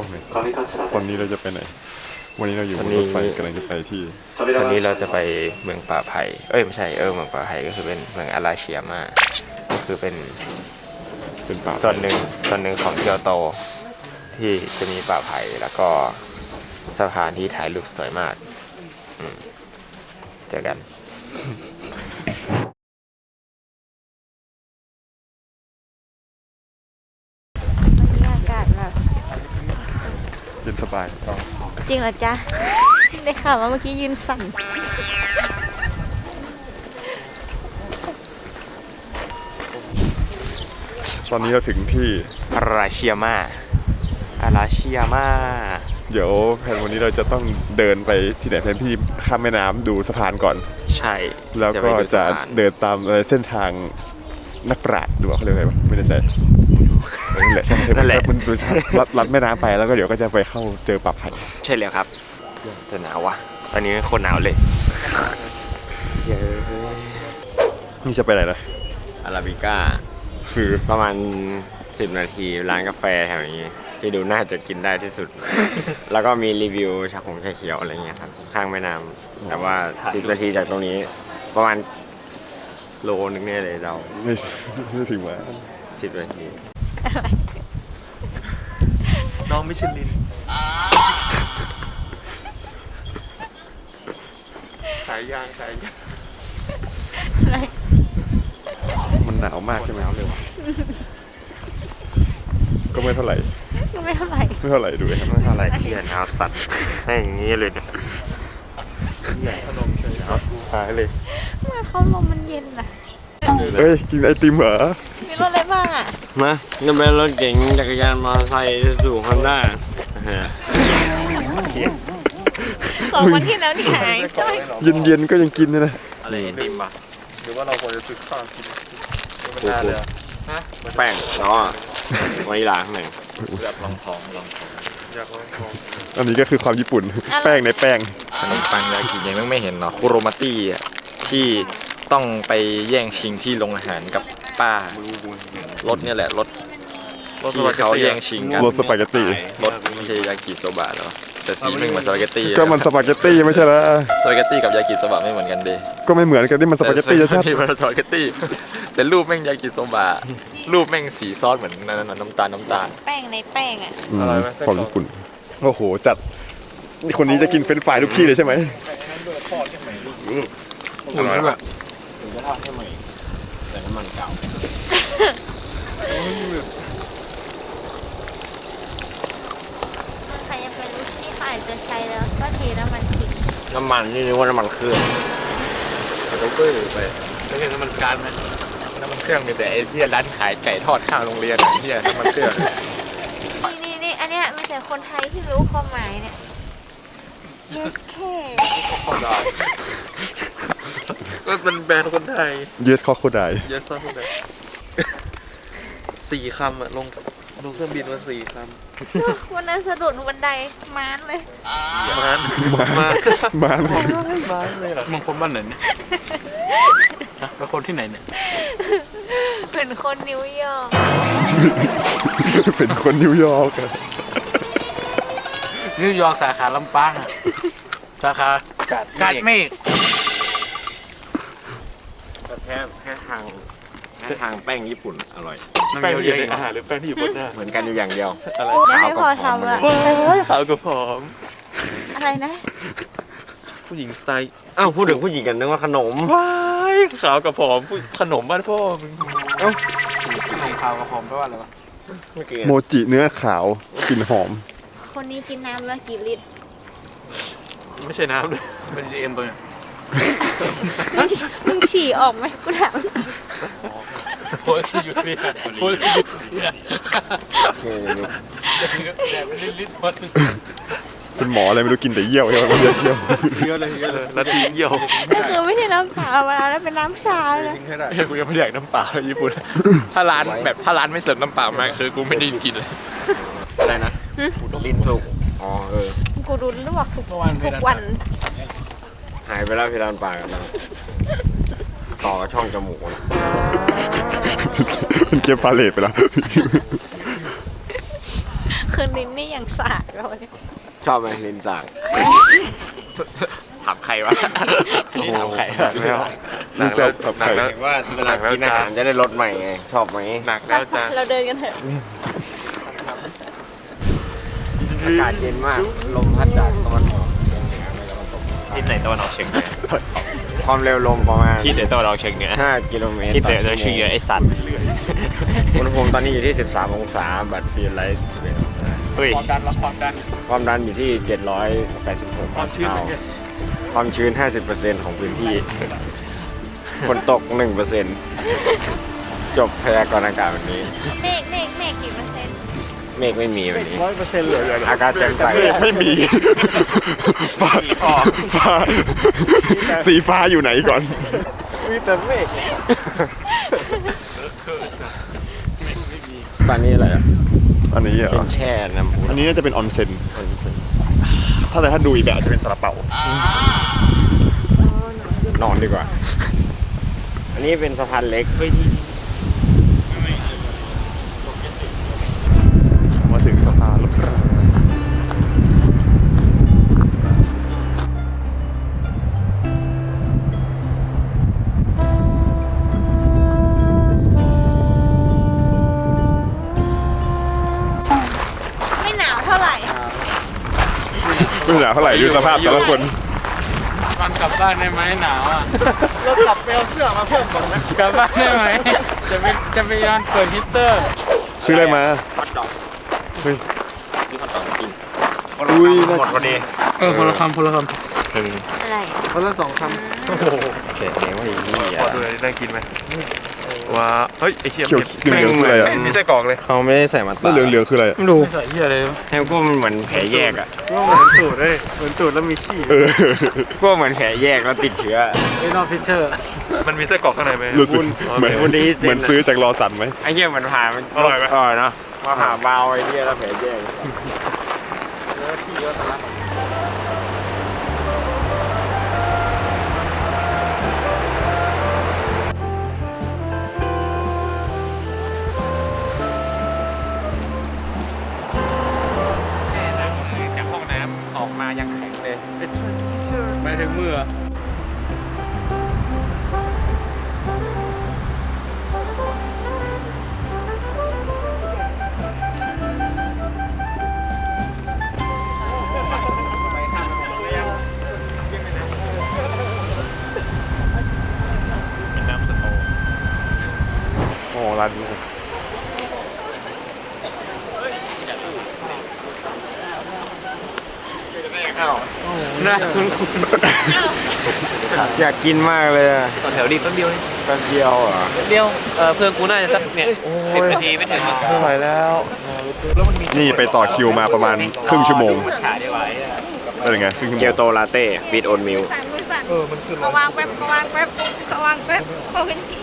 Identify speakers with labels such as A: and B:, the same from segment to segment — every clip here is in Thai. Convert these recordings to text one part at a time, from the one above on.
A: ล้องหน่อยสิวันนี้เราจะไปไหนวันนี้เราอยู่บนรถไฟกำลังจะไปที่
B: วันนี้เราจะไปเมืองป่าไผ่ไม่ใช่เมืองป่าไผ่ก็คือเป็นเมืองอาราเชียมาก็คือเป็น
A: ป่า
B: ส่วนหนึ่งของเกียวโตที่จะมีป่าไผ่แล้วก็สะพานที่ถ่ายรูปสวยมากเจอกัน
C: อากาศแบบ
A: เย็นสบาย
C: จริงเหรอจ๊ะได้ข่าวว่าเมื่อกี้ยืนสั่น
A: ตอนนี้เราถึงที่
B: อาราเชียมา
A: เดี๋ยวแผนวันนี้เราจะต้องเดินไปที่ไหนแผนที่ข้ามแม่น้ำดูสะพานก่อน
B: ใช่
A: แล้วก็จะเดินตามเส้นทางนักปราชญ์ดูเขาเรียกอะไรไม่แน่ใจนั่นแหละใช่นั่นแหละมันดูลัดแม่น้ำไปแล้วก็เดี๋ยวก็จะไปเข้าเจอป่าไผ่
B: ใช่แล้วครับแต่หนาวว่ะตอนนี้โคตรหนาวเลย
A: นี่จะไปไหนนะ
B: อาราบิก้า
A: คือ
B: ประมาณ10 นาทีร้านกาแฟแถวนี้ที่ดูน่าจะกินได้ที่สุด แล้วก็มีรีวิวชาเขียวอะไรเงี้ยครับข้างแม่น้ำแต่ว่า10 นาทีจากตรงนี้ประมาณโลนึงเนี่ยเลยเรา
A: ไม่ถึงว่า
B: 10 นาที
A: น้องมิชลินสายยางมันหนาวมากใช่ไหมก็ไม่เท่าไหร่ดูเลยครับไม่เท่าไหร่
B: ที่หนาวสัตว์ให้อย่างนี้เลยเนี่ย
A: ขนมเฉยหายเลย
C: มาเข้าลมมันเย็นอ่ะ
A: เฮ้ยกินไอติมเหรอ
C: มีรถอะไรบ้างอ่ะ
B: มาก็เป็นรถเก๋งจักรยานมอเตอร์ไซค์สู่ฮอนด้า
C: 2 วันที่แล้วนี่หายจ้อย
A: เย็นก็ยังกินเลยนะ
B: อะไรไอติมป่ะ
A: หรือว่าเราควรจะซื้อข้าวกินมันน่าเลย
B: ฮะแป้งเนาะวานิลาข้างใน
A: อยากลองของอันนี้ก็คือความญี่ปุ่นแป้งในแป้ง
B: ขนมปังยากิยังไม่เห็นเนาะคุโรมาตี้ที่ต้องไปแย่งชิงที่โรงอาหารกับป้ารถเนี่ยแหละรถที่เขาแย่งชิงกัน
A: รถสปาเกตตี้
B: รถไม่ใช่ยากิโซบะหรอแต่สีไม่เหมือนสปาเกตตี้
A: ก็มันสปาเกตตี้ไม่ใช่แล้ว
B: สปาเกตตี้กับยากิโซบะไม่เหมือนกันดิ
A: ก็ไม่เหมือนกันนี่มันสปาเกตตี้ชัด
B: ๆมันสปาเกตตี้แต่รูปแม่งยากิโซบะรูปแม่งสีซอสเหมือนน้ำตาล
C: แป้งในแป้งอ่ะ
A: ความญี่ปุ่นโอ้โหจัดนี่คนนี้จะกินเฟรนช์ฟรายทุกที่เลยใช่ไหม
B: อร่อยแบบถึงจะทอดให้ใหม่แต่น้ำมันเก่า
C: ใครจะเป็นรู้ที่อาจจะใช้แล้วก็เทน้ำมันทิ้ง
B: น้ำมันนี่นึกว่าน้ำมันเครื่อง
A: เราก็ไปไม่ใช่น้ำมันก๊าซไหมน้ำมันเครื่องมีแต่ไอ้ที่ร้านขายไก่ทอดข้างโรงเรียนที่น้ำมันเครื่อง
C: นี่อันเนี้ยมีแต่คนไทยที่รู้ความหมายเนี่ย yes K
A: ก็เป็นแบรนด์คนไทย yes crocodile 4 คำอะลงเครื่องบินมา4 ค
C: ำวันนั้นสะดุดบันไดม้านเลย
A: ม้าน
B: เลยเหรอมึงคนบ้านไหนเนี่ยเป็นคนที่ไหนเนี่ย
C: เป็นคนนิวยอร์ก
B: สาขาลำปางสาขากาดเมฆแค่ทางแป้งญี่ปุ่นอร่อย
A: แป้งอยู่ในอาหารหรือแป้งที่อยู่บนหน้า
B: เหมือนกันอยู่อย่างเดียว
C: ขาวกับผอม
A: ขาวกับผอม
C: อะไรนะ
A: ผู้หญิงสไตล์
B: พูดถึงผู้หญิงกันนึกว่าขนม
A: ว้ายขาวกับผอมขนมบ้านพ่อมึง
B: ขาวกับผอมแปลว่าอะไรวะ
A: โมจิเนื้อขาวกลิ่นหอม
C: คนนี้กินน้ำแล้วกี่ลิตร
A: ไม่ใช่น้ำเลย
B: เป็นเอ็มตัวเนี่ย
C: มึงฉี่ออกไหมกูถาม
B: โอ้ยอยู่นี่โอ้ยอยู่เสียแต่เป็นลิตร
A: เป็นหมออะไรไม่รู้กินแต่เยี่ยวเลยนาทีเยี่ยว
C: ก็คือไม่ใช่น้ำเปล่ามาแล้วเป็นน้ำชาเลย
A: กูยังไม่อยากน้ำเปล่าเลยญี่ปุ่นถ้าร้านไม่เสิร์ฟน้ำเปล่ามาคือกูไม่ได้กินเลย
B: อะไรนะลิ้นสุก
C: กูดูลวกทุกวัน
B: หายไปแล้วเพดานปากกันแล้วต่อช่องจมูกนะ
A: มันเก็บพาเลทไปแล้ว
C: คืนนี้นี่อย่างอย่างสากเราเนี่ย
B: ชอบไหมลินสากถามใครวะนี่ถามใครวะไม่เอา
A: นี่ชอบแบบใคร
B: เห็นว่าเวลากินอาหารจะได้รสใหม่ไงชอบไหม
D: หนักแล้วจ้า
C: เราเดินกันเถอะ
B: อากาศเย็นมากลมพัดจากตะวันออก
D: ทิศไหนตะวันออกเฉียงเหนือ
B: ความเร็วลมประมาณ
D: ทิศไหนตะวันออกเฉียงเหนือ
B: 5 กิโลเมตร
D: ทิศไหนตะวันออกเฉียงเหนือไอสัตว์
B: อุณหภูมิตอนนี้อยู่ที่ 13 องศาบัตรฟีลไลท์
D: เฮ้ย
B: ความดันอยู่ที่ 786
D: ความชื้นเป็นไง
B: ความชื้น 50% ของพื้นที่ฝนตก 1%จบพยากรณ์อากาศวันนี้
C: เมฆกี่เปอร์เซ็นต์
B: เมฆไม่มีวันนี้
A: 100%เลย
B: อากาศแจ่มใส
A: ไม่มีฟ้าฟ้าสีฟ้าอยู่ไหนก่อน
B: มีแต่เมฆตอนนี้อะไรอ่ะ
A: อันนี้เหร
B: เป็
A: อน
B: แช่น้ำพุ
A: อันนี้น่าจะเป็นออนเซ็นถ้าดูอีกแบบจะเป็นซาลาเปาน
B: อนดีกว่า อันนี้เป็นสะพานเล็ก
A: มาถึงสะพานแล้วครับ
C: ไม่หนาวเท่าไหร่
A: ไม่หนาวเท่าไหร่ดูสภาพแต่ละคน
E: วันกลับบ้านได้ไหมหนาวอ่ะ
A: เรากลับไปเอาเสื้อมาเพิ่มก่อนนะ
E: กลับบ้านได้ไหมจะไปย้อนเปิดฮีตเตอร์
A: ซื้ออะไรมา
B: ฮอตดอก
A: เฮ้ย
B: ที่ฮอตดอกกิน
A: อุ้ย
D: หมดพอดี
E: คนละคำ
C: อะไร
A: คนละ2 คำโอ้โห
B: เขียนเองว่าอย่างนี้
D: พอดูเลยน่ากินไหมว้าเฮ้ยไอเชี่ย
A: เขียวเหลืองๆคืออะไรอ่ะ
D: ไม่ใช่กรอกเลย
B: เขาไม่ได้ใส่มา
A: แล้ว
B: ตา
A: เหลืองๆคืออะไรอะ
E: ไม่รู้ใส่เหี้ยอะไร
B: ให้ก็มันเหมือนแผลแยกอ่ะ
D: เหมือนตูดเลยเหมือนตูดแล้วมีขี้
A: เออ
B: ก็เหมือนแผลแยกแล้วติดเชื้อ
E: ไอ้นอฟิชเชอร์
D: มันมีไส้กรอกข้างในไหม
A: รู้สึกเหมือน
B: วุ้นดีเซ็น
A: เหมือนซื้อจากรอสันไหม
B: ไอ้เหี้ยมันผ่ามัน
D: อร่อยไหม
B: อร่อยเนาะมาผ่าเบาไอ้เหี้ยแล้วแผลแยก
E: จากห้องน้ำออกมายังแข็งเลยไปถึงมือ
D: เป็นน้ำสโตว์
A: โอ้ร้านนี้
E: นะคุณ
B: อยากกินมากเลยอะ
E: ต่อแถวดีแป๊บเดียว
B: แป๊บเดียวเหรอ
E: เดียวเพื่อนกูน่าจะสักเนี่ย10 นาทีไม่ถึง
A: ไม่ไหวแล้ว นี่ไปต่อคิวมาประมาณครึ่งชั่วโมง
E: ฉาดีไว้
A: เป็นยังไงครึ่งชั่วโม
B: เกียว
A: ง
B: โตลาเต้บีทโอนมิล
C: มือสั่นเขาวางแป๊บเขาวางแป๊บเขาขึ้นที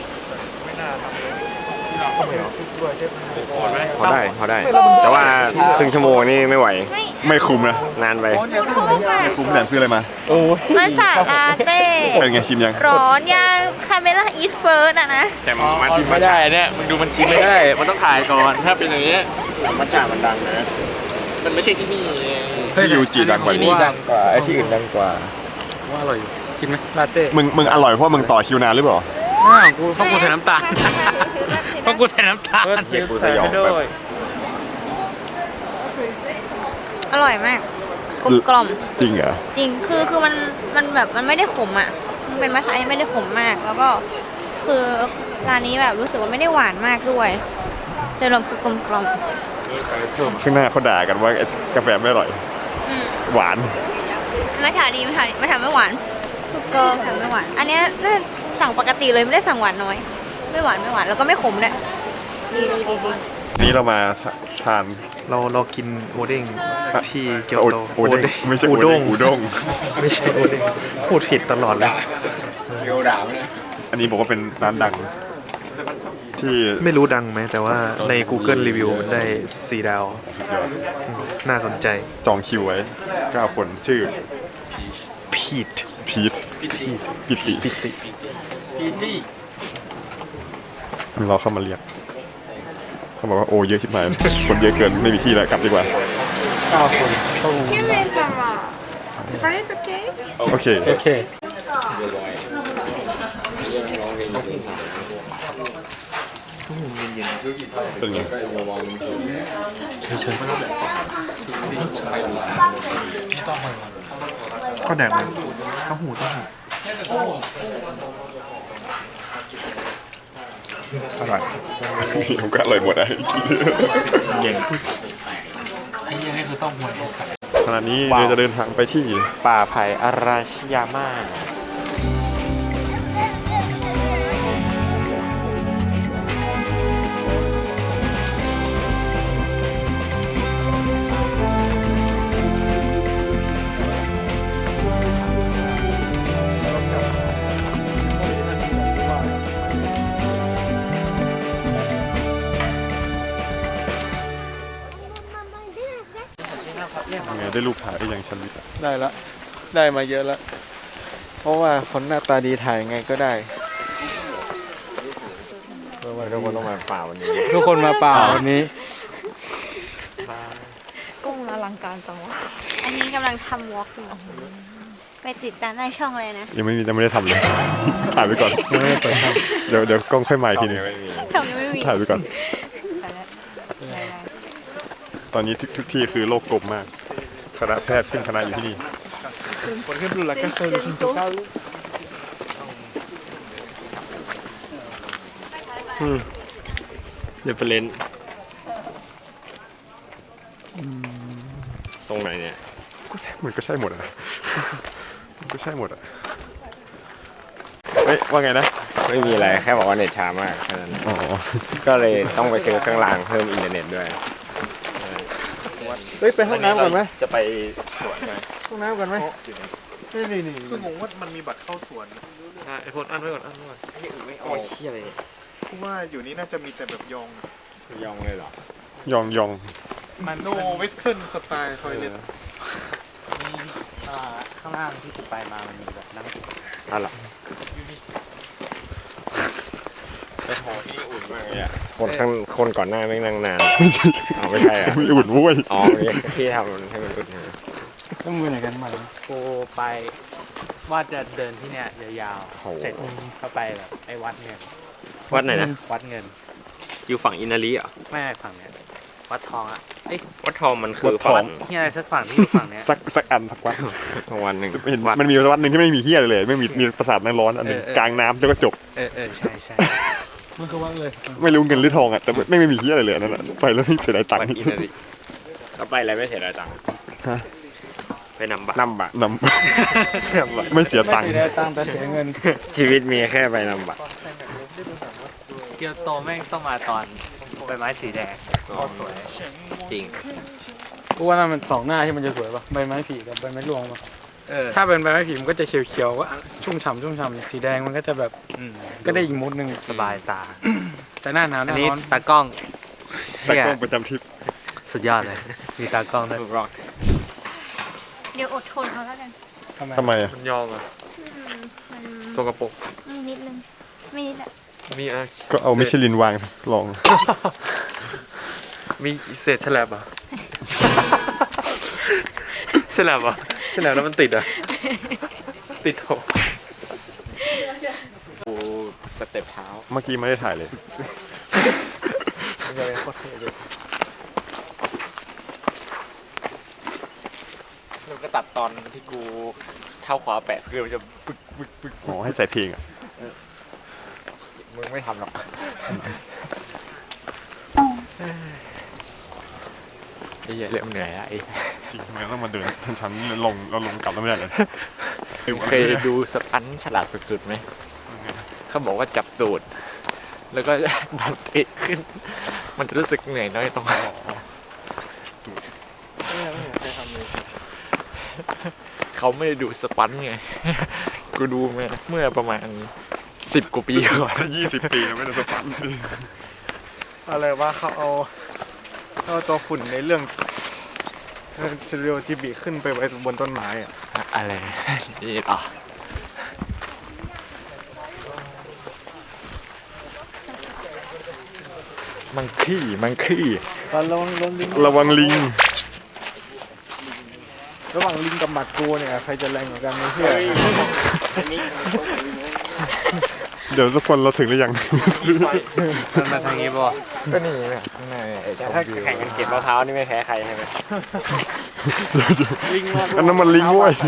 B: พอได้ แต่ว่าครึ่งชั่วโมงนี่ไม่ไหว
A: ไม่คุ้มนะ
B: นานไป
C: ไม่คุ้มอ่ะ
A: คุ้มแหนมซื้ออะไรมา
C: มาสาลาเต้
A: เป็นไงชิมยัง
C: ร้อนยังคาเมล่าอีทเฟิร์สอะนะ
B: แต่มัน
E: ไม่ได้เนี่ยมึงดูมันชิมไม่ได้ มันต้องถ่ายก่อน ถ้าเป็นอย่างนี้
B: มันจ่ามันดังนะ
E: มันไม่ใช่ที่นี่
A: ที่ยูจิดังกว่า
E: ที่
A: นี้
E: นี่ดังกว่า
B: ไอ้ที่อื่นดังกว่า
E: ว่าอร่อยกินไหมลาเต้
A: มึงอร่อยเพราะมึงต่อคิวนานหรือเปล่า
E: กูเพราะกูใส่น้ำตาลเพราะกูใส่น้ำตาล
B: เด็กกูสยองแบบ
C: อร่อยมากกลมกล่อม
A: จริงเหรอ
C: จริงคือมันแบบมันไม่ได้ขมอ่ะมันเป็นมัทฉะที่ไม่ได้ขมมาก แล้วก็คือร้านนี้แบบรู้สึกว่าไม่ได้หวานมากด้วยโดยรวมคือกลมกล่อม
A: ข้างหน้าเขาด่ากันว่าไอ้กาแฟไม่อร่อย
C: อืม
A: หวาน
C: มัทฉะดีมัทฉะไม่หวานคือก็มัทฉะไม่หวาน อันเนี้ยน่าจะสั่งปกติเลยไม่ได้สั่งหวานน้อย ไม่หวานแล้วก็ไม่ขมด้วยดี
A: นี้เรามาทาน
D: เรากินโอเด้งที่เกียว
A: โอ
D: โต
A: โอเด้งไม่ใช่
D: อู
A: โอ
D: ด้
A: เด้
D: ง
A: งอูด้ง
D: ไม่ใช่โอเด้งพูดผิดตลอดเลย
B: เกียวด่าเลย
A: อันนี้บอกว่าเป็นร้านดัง ที่
D: ไม่รู้ดังไหมแต่ว่าใน Google Review มันได้4 ดาว
A: สุดยอด
D: น่าสนใจ
A: จองคิวไว้ 9 คนชื่อ
D: พีท
A: พีทปิติ
D: ปิติ
A: เราเข้ามาเรียกเขาบอกว่าโอ้เยอะชิบหายคนเยอะเกินไม่มีที่แล้วกลับดีกว่า
F: Give me some Sprite, okay?
A: โอเค
D: โอเค
A: เป็นไง
D: ข้าวแดงมันข้าวหูต้องหู
A: อร่อยผมก็อร่อยหมดอ่ะ
D: เย็น
A: ขณะนี้เราจะเดินทางไปที่
B: ป่าไผ่อาราชิยาม่า
A: ไงได้รูปถ่ายได้ยังชันวิทย์
G: ได้ละ ได้มาเยอะแล้ว เพราะว่าคนหน้าตาดีถ่ายไงก็ได้
B: ทุกคนต้องมาป่าวันนี้
G: ทุกคนมาเปล่าวันนี้
C: กุ้งอลังการจังวะอันนี้กำลังทำวอล์กอยู่ไปติดตามในช่องเลยนะ
A: ยังไม่ได้ทำเลย ถ่ายไปก่อนเดี๋ยวกล้องค่อยมาอีกทีนึง
C: ช่องยังไม่มี
A: ถ่ายไปก่อน
C: ไปแล้วได้
A: ตอนนี้ทุกที่คือโลกกลมมากคณะแพทย์ขึ้นคณะอยู่ที่นี่
G: Por ejemplo, la casa de los intocables.
B: เรฟเฟรนซ์ตรงไหนเนี่ย
A: มันก็ใช่หมดอ่ะ มันก็ใช่หมดอ่ะ เฮ้ย ว่าไงนะ
B: ไม่มีอะไรแค่บอกว่าเน็ตช้ามากแค่นั้น
A: อ๋อ
B: ก็เลยต้องไปซื้อเครื่องรางเพิ่มอินเทอร์เน็ตด้วย
G: เฮ้ย ไปห้องน้ำก่อนไหม
B: จะไปสวนไหม
G: ห้องน้ำก่อนไหมนี่
D: คืองงว่ามันมีบัตรเข้าสวนไอ้พลอันไว้ก่อนอันไว้ก่อน
B: โอ้ยเชี่ยเลย
D: เพราะว่าอยู่นี่น่าจะมีแต่แบบยอง
B: ยองเลยเหรอ
A: ยอง
D: โนเวสเทิร์นสไตล์ทอยเล็ต
E: ข้างล่างที่จะไปมามันมีแบบนั่ง
B: อะไรไปหอที่อุ่นมากเลยอะคนก่อนหน้าไม่งนั่งนานอ๋อไม่ใช่อะ
A: ไม่อุ่นเว้ย
B: อ๋อที่ทำให้มันอุ่น
G: ต้องมือไหนกันมา
E: กูไปว่าจะเดินที่เนี้ยยาว
B: โห
E: ๆเสร็จก็ไปแบบไอ้วัดเงิน
B: วัดไหนนะ
E: วัดเงิน
B: อยู่ฝั่งอินาลีเหรอ
E: ไม่ฝั่งเนี้ยวัดทองอ่ะเอ้ย
B: วัดทองมันคือฝั่ง
E: ที่อะไรสักฝั่งที่อยู่ฝั่งเนี้ย
A: สักอันสักวัด
B: วันหนึ่ง
A: เห็น
B: วัด
A: มันมีวัดหนึ่งที่ไม่มีเฮียเลยไม่มีปราสาทน้ำร้อนอันหนึงกลางน้ำแล้วก็จบ
E: ใช่ใช่
G: มันคือวัดเลย
A: ไม่รู้เงินหรือทองอ่ะ แต่ไม่มีเฮียอะไรเลยอันนั่นอ่ะ ไปแล้วไม่เสียดายตัง
B: วัด
A: ค์
B: อินาลีแล้วไปอะไรไม่เสียดายตังค์ไปนำบัตร
A: นำไม่เสียตังค์
G: ไม่ได้ตังค์แต่เสียเงิน
B: ชีวิตมีแค่ไปนำบัตร
E: เกียวโตแม่งต้องมาตอนใบไม้สีแดงสวย
B: จริง
G: กูว่านั่นมันสองหน้าที่มันจะสวยป่ะ ใบไม้ผลิกับใบไม้รวงป่ะ
E: เออ
G: ถ้าเป็นใบไม้ผลิมันก็จะเขียวๆว่าชุ่มฉ่ำสีแดงมันก็จะแบบ ก็ได้อีกมูดหนึ่ง
E: สบายตา
G: แต่หน้าหนาวห
E: อัน
G: น้า
E: นี้
G: ร้อน
E: ตากล้อง
A: แต่
E: เชี่ย
A: กล้องประจำทริป
E: สุดยอดเลยมีตากล้องด้วย
B: ถูกรอก
C: เดี๋ยวอดทนเอาแล้วกัน
A: ทำไมอ่ะ
D: มันยองอ่ะ
C: มัน
D: สกปรก
C: นิดนึงไม่นิดอะ
D: มีอะไร
A: ก็เอามิชลินวางลอง
D: มีเศษฉลบอ่ะ ฉลบอ่ะฉลบแล้วมันติดอ่ะ ติดโถ
B: กูสเต็ปเท้า
A: เมื่อกี้ไม่ได้ถ่ายเลย
E: แล้วก็ตัดตอนที่กูเท้าขวาแปะคือมันจะปึ๊กปึ๊กปึ๊ก
A: อ๋อให้ใส่เพลงอ่ะ
E: มึงไม่ทำหรอกไอ้เหี้ยเริ่มเหนื่อยละไอ้
A: จริงมันต้องมาเดินชั้นๆลงเราลงกลับแล้วไม่ได้เลย
E: เคยดูสปันฉลาดสุดๆไหมเขาบอกว่าจับตูดแล้วก็ดันเตะขึ้น มันจะรู้สึกเหนื่อยน้อยตรงเขาไม่ได้ดูสปันไง กูดูมาเมื่อประมาณ10 กว่าปีก่อน
A: 20 ปีแล้วไม่ได้สปัน
G: อะไรว่าเขาเอาตัวฝุ่นในเรื่องเซเรียลทีบีขึ้นไปไว้บนต้นไม้อะ
E: อะไรนี่อ่ะ มันขี้
G: ตอนลงลิง
A: ระวังลิง
G: ระหว่างลิงกับหมัดกูเนี่ยใครจะแรงกว่ากันไม่เชื่อ
A: เดี๋ยวทุกคนเราถึงหรือยัง
D: มันมาทางนี้ป่ะ
E: ก็นี่เนี่ยข้างในไอ้ชม
B: ถ้า
E: วิว
B: แข่งกันเก็บมะพร้าวนี่ไม่แพ้ใครใช่ไหม
G: ลิงมา
A: อันนั้นมันลิงเว้ย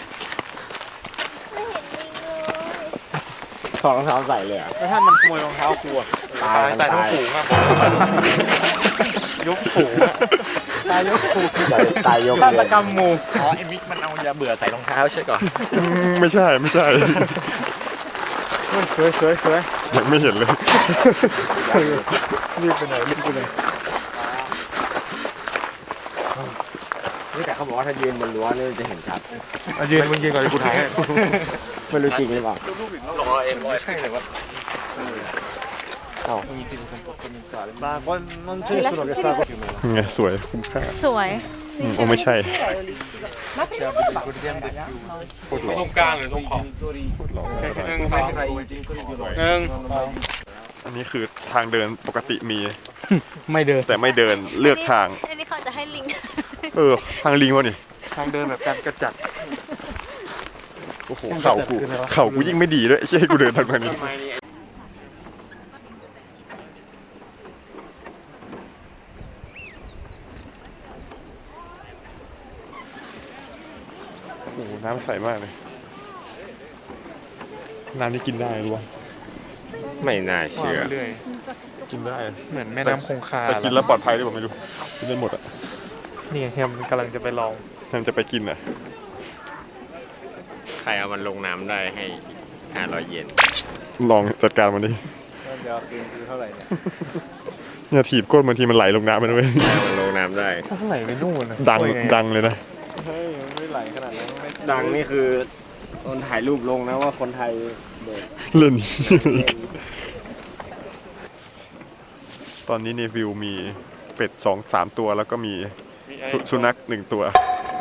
B: ถอดรองเท้าใส่เลยอ่ะ
G: แล้วถ้ามันขโมยรองเท้ากูอะ
B: ตาย
D: ใส่ทั้งฝูงอะ
G: ยกฝูงอะตายยกฝูง
B: ตายยก
G: ฆา
B: เล
G: ต
B: ย
G: กรรมหมู่
E: อ๋อไอ้มิกมันเอายาเบื่อใส่รองเท้าใช่ก่อน
A: ไม่ใช่ไม่ใช่
G: สวยสวยสวย
A: ยังไม่เห็นเลย
G: รีบไปไหนรีบไปไหน
B: นี่แต่เขาบอกว่าถ้ายืนบนรั้วนี่จะเห็นชัด
G: ยืนมึงยืนก่อนเลยกูถ่ายให้
B: ไม่รู้จริงหรือเปล่า
E: ใช่เลยว่า
G: มาก็นอนชื่อสุดเลยซาก็
A: ไงสวยคุ้มค่า
C: สวย
A: โอ้ไม่ใช่
D: ตรงกลางหรือตรงขอบหนึ่งสองหนึ่ง
A: อันนี้คือทางเดินปกติมี
G: ไม่เดิน
A: แต่ไม่เดินเลือกทาง
C: อันนี้เขาจะให้ลิง
A: ทางลิงวะนี่
G: ทางเดินแบบการกระจัด
A: โอ้โหเข่ากูยิ่งไม่ดีด้วยไอ้เหี้ยให้กูเดินทางนี้โอ้โหน้ำใสมากเลยน้ำนี่กินได้รู้ป่ะ
B: ไม่น่าเชื่อ
G: เรื่อย
A: กินได้
G: เหมือนแม่น้ำคงคา
A: แต่กินแล้วปลอดภัยหรือเปล่าไม่รู้กินได้หมดอ่ะ
G: นี่เฮียมกำลังจะไปลอง
A: แทนจะไปกินอ่ะ
B: ใครเอามันลงน้ำได้ให้500 เยน
A: ลองจัดการมันดิ
G: เดี๋ยวคืนคือเท่าไหร่เนี่ย
A: เนี่ยถีบก้นบางทีมันไหลลงน้ำไปด้วย
B: ให้มันลงน้ำได้
G: เท่าไหร่ไปนู่นนะ
A: ดังเลยนะ
G: เฮ้ยไม่ไหลขนาดนั้นไม่
B: ดังนี่คือคนถ่ายรูปลงนะว่าคนไทยเด็ก
A: เล่น ตอนนี้ในวิวมีเป็ด2-3 ตัวแล้วก็มีสุนัข1 ตัว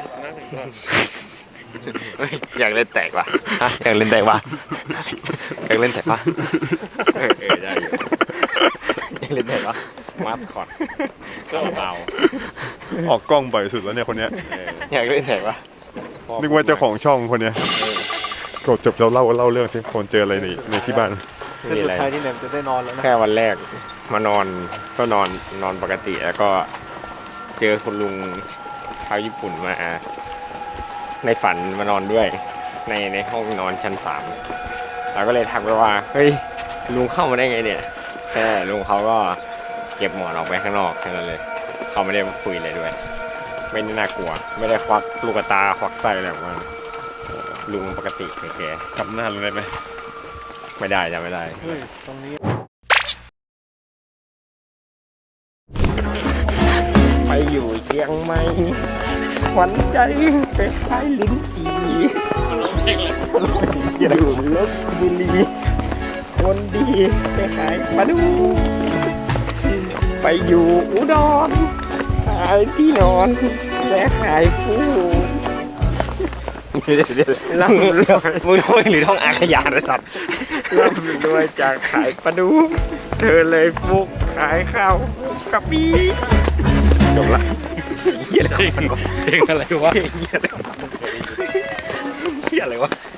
B: อยากเล่นแตกว่ะอยากเล่นแตกว่ะอยากเล่นแตกว่ะได้อยู่อยากเล่นแตกว่ะมาสคอตเบา
A: ออกกล้องบ่อยสุดแล้วเนี่ยคนเนี้ย
B: อยากเล่นแตกว่ะ
A: นึกว่าเจ้าของช่องคนเนี้ยก็จบเราเล่าเรื่องที่คนเจออะไรในที่บ้าน
G: แต่สุดท้ายที่เนี่ยจะได้นอนแล้วนะ
B: แค่วันแรกมานอนก็นอนปกติแล้วก็เจอคุณลุงชาวญี่ปุ่นมาในฝันมานอนด้วยในห้องนอนชั้น3เราก็เลยทักไปว่าเฮ้ยลุงเข้ามาได้ไงเนี่ยแค่ลุงเขาก็เก็บหมอนออกไปข้างนอกแค่นั้นเลยเขาไม่ได้มาคุยเลยด้วย ไม่ได้น่ากลัว ไม่ได้ควักลูกตาควักไส้อะไรออกมาลุงปกติแค่
A: กลับหน้าลงได้ไหม
B: ไม่ได้จะไม่ได้
G: เฮ้ยตรงนี้
B: ไปอยู่เชียงใหม่ขวัญใจไปขายลิ้นจี่อยู่ลบบุรีคนดีไปขายปลาดูไปอยู่อุดรขายที่นอนและขายฟูเดี๋ยวร่ำรวยมึงท่องหรือท่องอาขยานไอ้สัตว์ร่ำรวยจากขายปลาดูเธอเลยฟุกขายข้าวกะปิจบละเฮียอะไรวะ
D: เพลงอะไรวะ
B: เฮียอะไรวะ